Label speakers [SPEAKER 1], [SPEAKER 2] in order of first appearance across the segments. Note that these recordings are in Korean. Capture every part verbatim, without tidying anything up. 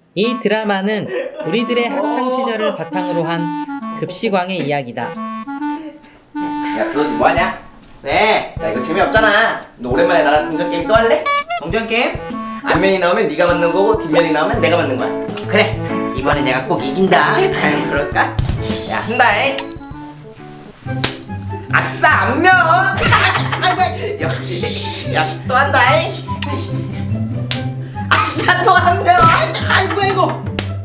[SPEAKER 1] 이 드라마는 우리들의 학창 시절을 바탕으로 한 급식왕의 이야기다.
[SPEAKER 2] 야, 두더지 뭐하냐? 네, 야 이거 재미없잖아. 너 오랜만에 나랑 동전 게임 또 할래? 동전 게임? 앞면이 나오면 네가 맞는 거고 뒷면이 나오면 내가 맞는 거야. 그래, 이번에 내가 꼭 이긴다. 아유, 그럴까? 야, 한다잉. 아싸, 앞면. 아이고, 역시. 야, 또 한다잉. 아싸, 또 앞면. 아이고, 아이고.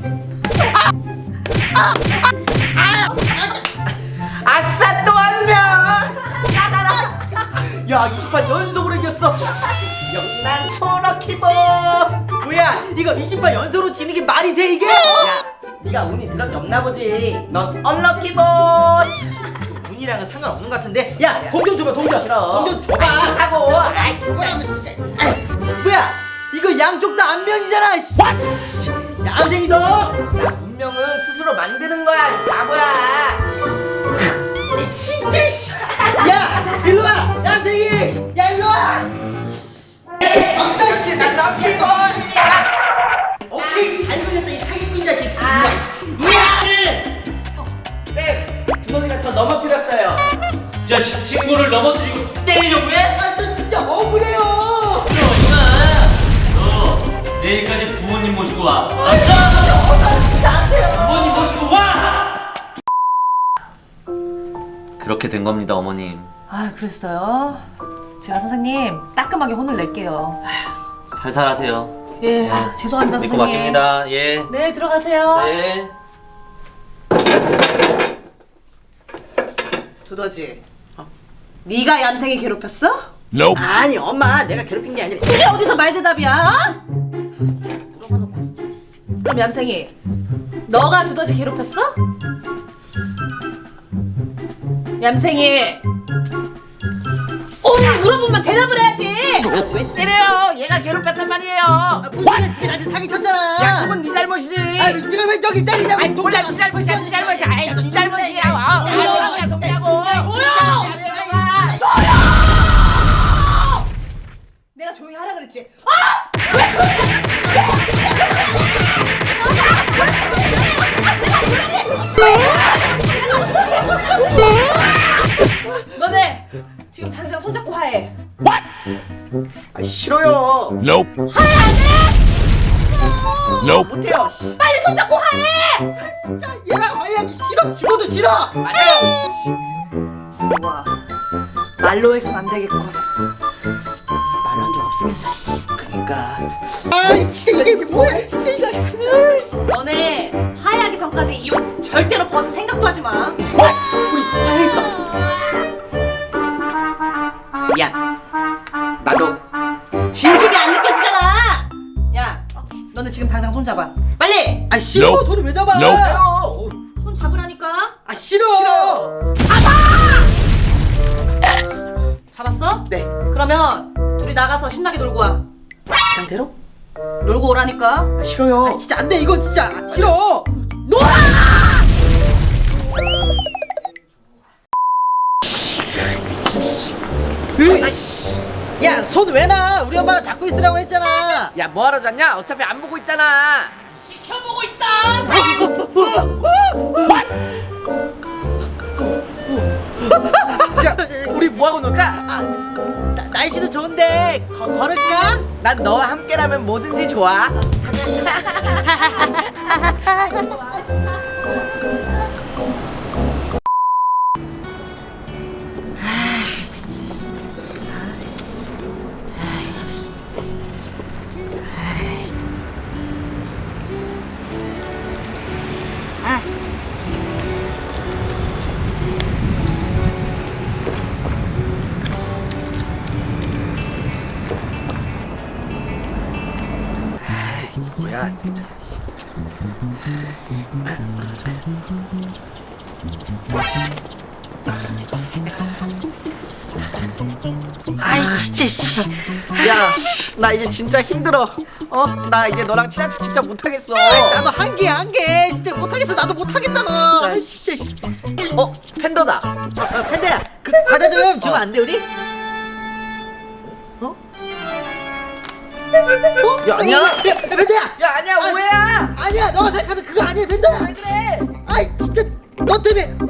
[SPEAKER 2] 아싸, 또 앞면. 나가라. 야, 이십 판 연속으로 이겼어. 역시 난 초럭키볼.
[SPEAKER 3] 뭐야 이거 이십 판 연속으로 지는 게 말이 돼 이게?
[SPEAKER 2] 야, 네가 운이 드럽게 없나 보지. 넌 언럭키볼.
[SPEAKER 3] 운이랑은 상관없는 것 같은데. 야 동전 줘봐 동전.
[SPEAKER 2] 싫어.
[SPEAKER 3] 동전 줘봐.
[SPEAKER 2] 아, 싫다고. 아이,
[SPEAKER 3] 뭐야 이거 진짜. 아이, 뭐야 이거 양쪽 다 안면이잖아. 씨. 야 암생이 너.
[SPEAKER 2] 야, 운명은 스스로 만드는 거야, 이 바보야.
[SPEAKER 3] 진짜 씨. 야 일로 와. 야 암생이. 야 일로 와.
[SPEAKER 2] 박사 씨, 나 럭키볼.
[SPEAKER 3] 오케이 잘 걸렸다 이 사기꾼 자식.
[SPEAKER 2] 아,
[SPEAKER 3] 야.
[SPEAKER 2] 쌤, 두더지가 저 넘어뜨렸어요.
[SPEAKER 4] 저 시- 친구를 넘어뜨리고 때리려고 해?
[SPEAKER 3] 아저 진짜 억울해요.
[SPEAKER 4] 그럼 임마 너 내일까지 부모님 모시고 와. 알았어?
[SPEAKER 3] 나 진짜 안 돼요.
[SPEAKER 4] 부모님 모시고 와! 그렇게 된 겁니다, 어머님.
[SPEAKER 5] 아, 그랬어요? 제가 선생님 따끔하게 혼을 낼게요.
[SPEAKER 4] 살살 하세요.
[SPEAKER 5] 예, 아, 죄송합니다
[SPEAKER 4] 믿고
[SPEAKER 5] 선생님.
[SPEAKER 4] 맡깁니다. 예.
[SPEAKER 5] 네, 들어가세요.
[SPEAKER 4] 네.
[SPEAKER 5] 두더지. 네가 얌생이 괴롭혔어?
[SPEAKER 3] 아니 엄마 내가 괴롭힌 게 아니라.
[SPEAKER 5] 이게 어디서 말대답이야? 물어봐놓고. 그럼 얌생이, 너가 두더지 괴롭혔어? 얌생이. 오늘 물어보면 대답을 해야지.
[SPEAKER 2] 아, 왜 때려요? 얘가 괴롭혔단 말이에요.
[SPEAKER 3] 아, 무슨 소리야 네 나한테 사기 쳤잖아.
[SPEAKER 2] 약속은 네 잘못이지.
[SPEAKER 3] 아 네가 왜 저기 때리냐고.
[SPEAKER 2] 아이, 몰라, 네 잘못이야, 네 잘못이야. 아이, 네 잘못이라고. 아,
[SPEAKER 3] 조용!
[SPEAKER 2] 약속이라고.
[SPEAKER 5] 내가 조용히 하라 그랬지. 너네 지금 당장 손잡고 화해.
[SPEAKER 2] 아, 싫어요.
[SPEAKER 6] Nope. Nope.
[SPEAKER 2] 못해요.
[SPEAKER 5] 빨리 손잡고 화해.
[SPEAKER 3] 진짜 얘랑 화해하기 싫어. 죽어도 싫어.
[SPEAKER 2] 맞아요.
[SPEAKER 5] 와, 말로 해선 안 되겠군. 말로 한 적 없으면서. 씨.
[SPEAKER 2] 그니까.
[SPEAKER 3] 아 진짜 이게 뭐야 진짜.
[SPEAKER 5] 너네 화해하기 전까지 이 옷 절대로 벗을 생각도 하지 마.
[SPEAKER 3] 우리 화해했어.
[SPEAKER 2] 미안. 나도.
[SPEAKER 5] 진심이 안 느껴지잖아. 야, 너네 지금 당장 손 잡아. 빨리.
[SPEAKER 3] 아 싫어.
[SPEAKER 6] Nope.
[SPEAKER 3] 손을 왜 잡아?
[SPEAKER 6] Nope.
[SPEAKER 2] 싫어요.
[SPEAKER 5] 손 잡으라니까.
[SPEAKER 3] 아 싫어.
[SPEAKER 2] 싫어.
[SPEAKER 5] 잡았어?
[SPEAKER 3] 네.
[SPEAKER 5] 그러면 둘이 나가서 신나게 놀고 와.
[SPEAKER 3] 상태로?
[SPEAKER 5] 놀고 오라니까.
[SPEAKER 3] 아, 싫어요. 아, 진짜 안 돼. 이거 진짜 아, 싫어. 놀아. 야, 손 왜 놔? 우리 엄마가 잡고 있으라고 했잖아.
[SPEAKER 2] 야, 뭐하러 잤냐? 어차피 안 보고 있잖아.
[SPEAKER 3] 지켜보고 있다.
[SPEAKER 2] 야, 우리 뭐하고 놀까?
[SPEAKER 3] 아, 나, 날씨도 좋은데 거, 걸을까?
[SPEAKER 2] 난 너와 함께라면 뭐든지 좋아. 뭐야, 진짜. 아이, 진짜. 씨. 야, 나 이제 진짜 힘들어. 어? 나 이제 너랑 친한 척 진짜 못하겠어.
[SPEAKER 3] 아이, 나도 한 개 한 개. 진짜 못하겠어. 나도 못하겠다고. 아, 진짜.
[SPEAKER 2] 어? 팬더다.
[SPEAKER 3] 어, 어, 팬데야, 그 과자 좀 주면 안 돼 우리? 어? 어?
[SPEAKER 2] 야, 아니야.
[SPEAKER 3] 야, 팬데야.
[SPEAKER 2] 야, 아니야, 오해야.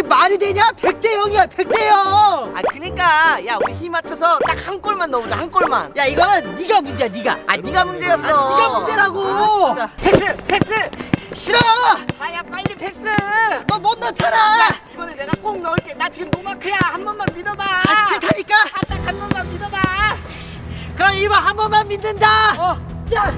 [SPEAKER 3] 이게 말이 되냐? 백 대 영이야 백 대 영.
[SPEAKER 2] 아 그니까 야 우리 힘 합쳐서 딱 한 골만 넣어보자 한 골만.
[SPEAKER 3] 야 이거는 네가 문제야 네가.
[SPEAKER 2] 아 네가 문제였어.
[SPEAKER 3] 아, 네가 문제라고.
[SPEAKER 2] 아, 진짜. 패스 패스.
[SPEAKER 3] 싫어.
[SPEAKER 2] 아야 빨리 패스.
[SPEAKER 3] 너 못 넣잖아.
[SPEAKER 2] 이번에 내가 꼭 넣을게. 나 지금 노마크야. 한 번만 믿어봐.
[SPEAKER 3] 아 싫다니까.
[SPEAKER 2] 딱 한 번만 믿어봐.
[SPEAKER 3] 그럼 이번 한 번만 믿는다.
[SPEAKER 2] 어.
[SPEAKER 3] 자.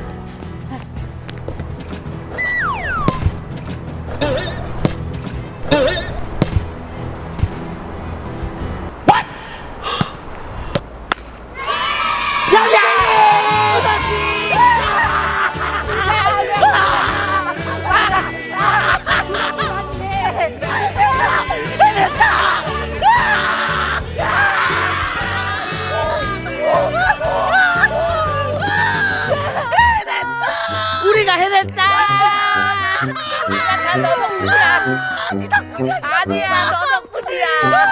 [SPEAKER 2] 우리가 해냈다. 다 너 덕분이야. 네 덕분이야. 아니야 너 덕분이야.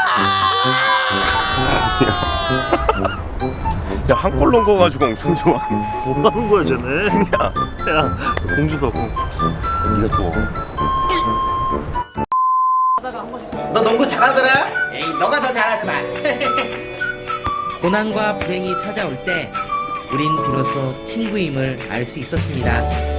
[SPEAKER 6] 야, 한 골 넣은 거 가지고 엄청 좋아.
[SPEAKER 4] 뭐 하는 거야 쟤네? 야, 야 공주석.
[SPEAKER 6] 네가 줘.
[SPEAKER 2] 너 농구 잘하더라. 에이 너가 더 잘하더라.
[SPEAKER 1] 고난과 불행이 찾아올 때 우린 비로소 친구임을 알 수 있었습니다.